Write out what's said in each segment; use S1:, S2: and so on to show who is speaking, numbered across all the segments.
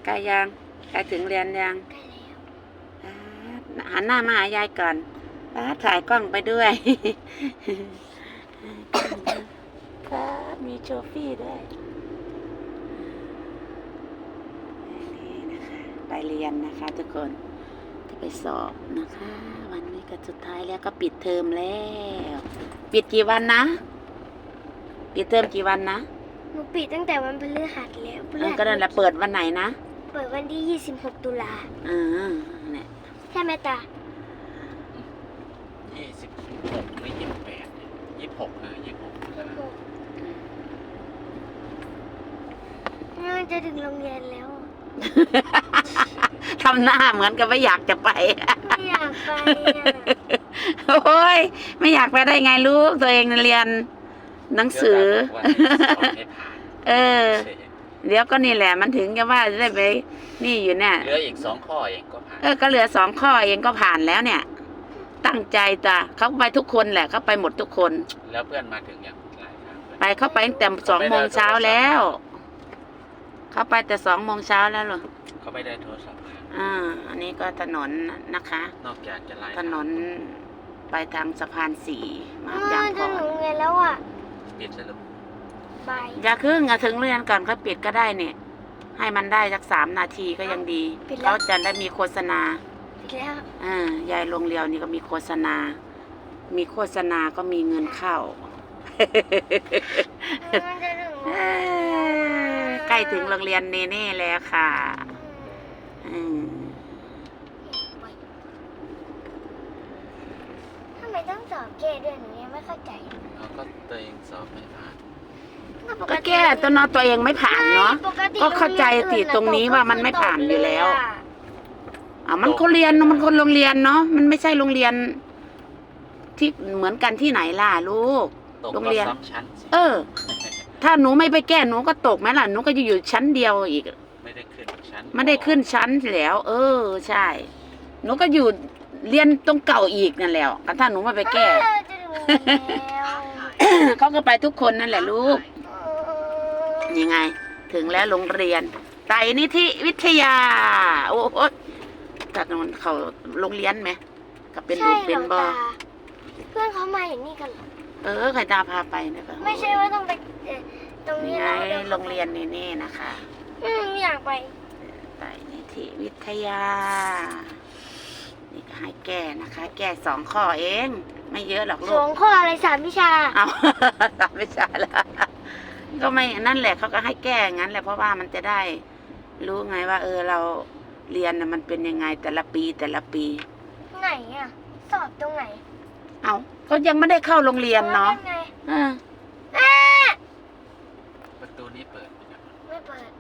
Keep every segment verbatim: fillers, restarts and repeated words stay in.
S1: ใกล้ยังใกล้ถึงเรียนยัง
S2: ใกล้แล้ว
S1: หันหน้ามาหายายก่อนป้าถ่ายกล้องไปด้วยครับมีโชฟี่ด้วยนี่นะคะไปเรียนนะคะทุกคนจะไปสอบนะคะวันนี้ก็สุดท้ายแล้วก็ปิดเทอมแล้วปิดกี่วันนะปิดเทอมกี่วันนะ
S2: หนูปิดตั้งแต่วันพฤหัสแล้วพฤหัส
S1: ก็นั่นแหละเปิดวันไหนนะ
S2: เปิดวันที่ยี่สิบหกตุลา
S1: อ่าเนี่ย
S2: ใช่ไหมตา
S3: ยี่สิบหกหรือยี่สิบแปดยี่สิบหกเออยี่สิบหก
S2: น่าจะถึงโรงเรียนแล้ว
S1: ทำหน้าเหมือนกับไม่อยากจะไป
S2: ไม่อยากไป
S1: โอ้ยไม่อยากไปได้ไงลูกตัวเองเรียนหนังสือเออเดี๋ยวก็นี่แหละมันถึงจะว่าจะได้ไปนี่อยู่เนี่ย
S3: เหลืออีกสองข้อเองก็ผ่าน
S1: เออก็เหลือสองข้อเองก็ผ่านแล้วเนี่ยตั้งใจจ้ะเขาไปทุกคนแหละเขาไปหมดทุกคน
S3: แล้วเพื่อนมาถึงอย่างไร
S1: ไปเขาไปตั้งแต่สองโมงเช้าแล้วเขาไปแต่สองโมงเช้าแล้วเหรอ
S3: เขาไม่ได้โทรศัพท์
S1: อ่าอันนี้ก็ถนนนะคะ
S3: นอกจากจะไล่
S1: ถนนไปทางสะพานสี่มา
S2: จางก่อนถึงโรงเรียนแล้วอ่ะ
S3: ปิดสรุป
S1: อย่าครึ่งอะถึงเรียนก่อนเขาปิดก็ได้เนี่ยให้มันได้สักสามนาทีก็ยังดีเขาจะได้มีโฆษณา
S2: ปิดแล้ว
S1: อ่ายายโรงเรียนนี่ก็มีโฆษณามีโฆษณาก็มีเงินเข้าใกล้ถึงโรงเรียนเนเน่แล้วค่ะอืม
S2: ทำไมต้องสอบเกรดด้วยหนูยังไม่เข้าใจ
S3: เขาก็ตัวเองสอบไม่ผ่าน
S1: ก็แก้ตัวนอตัวเองไม่ผ่านเนาะก็เข้าใจติดตรงนี้ว่ามันไม่ผ่านอยู่แล้วอ่ามันคนเรียนมันคนโรงเรียนเนาะมันไม่ใช่โรงเรียนที่เหมือนกันที่ไหนล่ะลูกโรงเรียนเออถ้าหนูไม่ไปแก้หนูก็ตกไหมล่ะหนูก็จะอยู่ชั้นเดียวอีก
S3: ไม่ได้ขึ้นชั้น
S1: ไม่ได้ขึ้นชั้นแล้วเออใช่หนูก็อยู่เรียนตรงเก่าอีกนั่นแหละถ้าหนูไม่ไปแก้เขาก็ไปทุกคนนั่นแหละลูกยังไงถึงแล้วโรงเรียนไตรนิธิวิทยาโอ้โหจากนั้นเขาโรงเรียนไหมกับเป็นลูกเป็นบอ
S2: เพื่อนเขามาอย่างนี้กัน
S1: เออใครตาพาไปนะคะ
S2: ไม่ใช่ว่าต้องไปตรงนี้
S1: ไงโรงเรียนนี่นี่นะคะ
S2: อืมอยากไป
S1: ไตรนิธิวิทยานี่ก็ให้แก้นะคะแก้สองข้อเองไม่เยอะหรอกลูก
S2: สองข้ออะไรสามวิชา
S1: เอาสามวิชาแล้วก็ไม่นั่นแหละเขาก็ให้แก้งั้นแหละเพราะว่ามันจะได้รู้ไงว่าเออเราเรียนนะมันเป็นยังไงแต่ละปีแต่ละปี
S2: ไหนอ่ะสอบตรงไหน
S1: เอาเขายังไม่ได้เข้าโรงเรียนเนาะอ่า
S3: ประตูนี้เปิด
S2: ไม่เปิด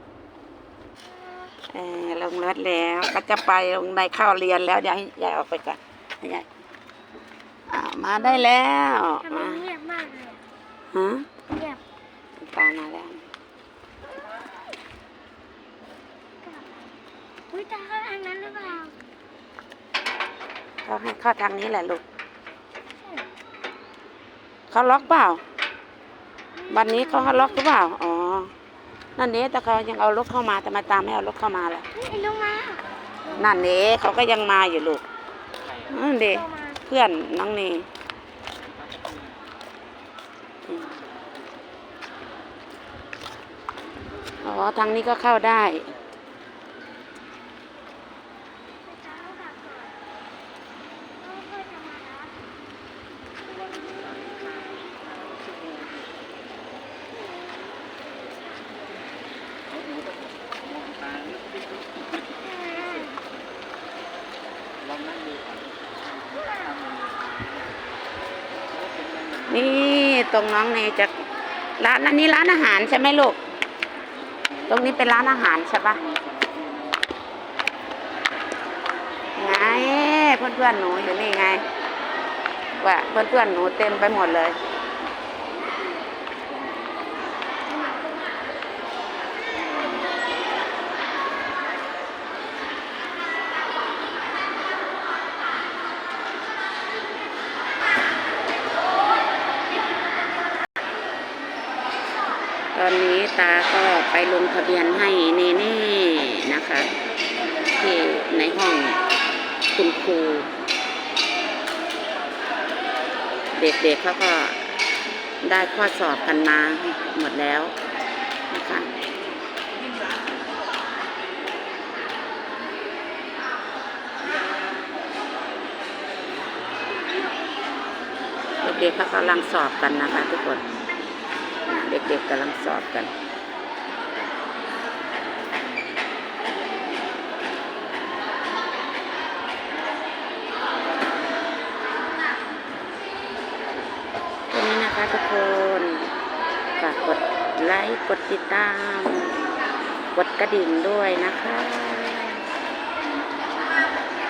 S1: เออลงรถแล้วก็จะไปลงในเข้าเรียนแล้วเดี๋ยวให้ยายออกไปก่อนให้ยายมาได้แล้ว
S2: ทำไมเงียบมากเลย
S1: ฮะ
S2: เงียบ
S1: ตามาแล้ว
S2: อุ้ยตาเข้าทางนั้นหรือเปล่า
S1: เขาให้เข้าทางนี้แหละลูกเขาล็อกเปล่าวันนี้เขาล็อกหรือเปล่าอ๋อนั่นนี้แต่เขายังเอารถเข้ามาแต่มาตามไม่เอารถเข้ามาแล้ว
S2: ลงมา
S1: นั่นนี้เขาก็ยังมาอยู่ลูกนั่นเด็กเพื่อนน้องนี่อ๋อทางนี้ก็เข้าได้นี่ตรงน้องเนจะร้านนี้ร้านอาหารใช่ไหมลูกตรงนี้เป็นร้านอาหารใช่ปะไงเพื่อนเพื่อนหนูอยู่นี่ไงว่าเพื่อนเพื่อนหนูเต็มไปหมดเลยตอนนี้ตาก็ไปลงทะเบียนให้เนเน่คุณครู เด็กๆเขาก็ได้ข้อสอบกันมาหมดแล้วนะคะเด็กๆเขากำลังสอบกันนะคะทุกคนเด็กๆกำลังสอบกันตัวนี้นะคะทุกคนฝากกดไลค์กดติดตามกดกระดิ่งด้วยนะคะ